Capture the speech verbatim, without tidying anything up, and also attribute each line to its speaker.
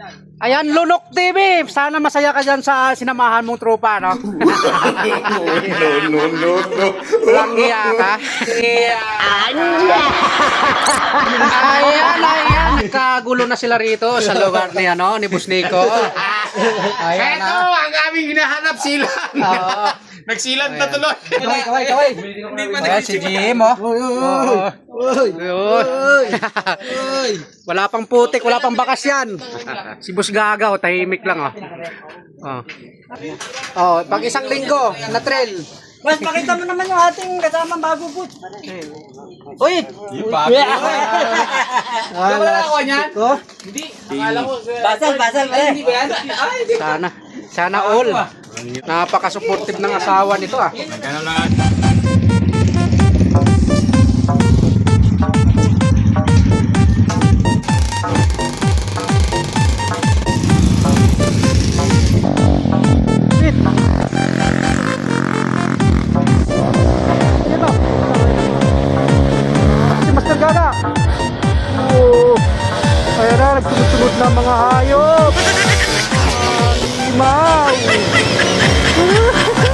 Speaker 1: Ayan, Lunok T V. Sana masaya ka dyan sa sinamahan mong tropa, no?
Speaker 2: No, no, no, no.
Speaker 1: Walang iya ka. Ayan, ayan. Nagkagulo na sila rito sa lugar ni, ano, ni Busnico. Ayan
Speaker 2: Eto,
Speaker 1: na.
Speaker 2: ang aming hinahanap sila.
Speaker 1: Oo.
Speaker 2: Nagsilan na tuloy.
Speaker 1: Kaway, kaway, kaway. Ayan, si Jim, oh. Oo. Ayun. Wala pang putik, wala pang bakas yan. Si Bus Gagaw, tahimik lang, oh. Oh. Oh, pag isang linggo, na trail.
Speaker 3: Mas pakita mo naman yung ating kasamang bago po.
Speaker 1: Uy!
Speaker 2: Yung bago.
Speaker 1: Wala ako niyan? Ko?
Speaker 3: Basal, basal. Hindi ba yan?
Speaker 1: Sana. Sana all. Napaka-supportive ng asawa nito, ah.
Speaker 2: Ganun lang.
Speaker 1: Shit! Ito. Si Master Gana. Oh. Ayan na, nagsunod-sunod na mga hayop. Animal.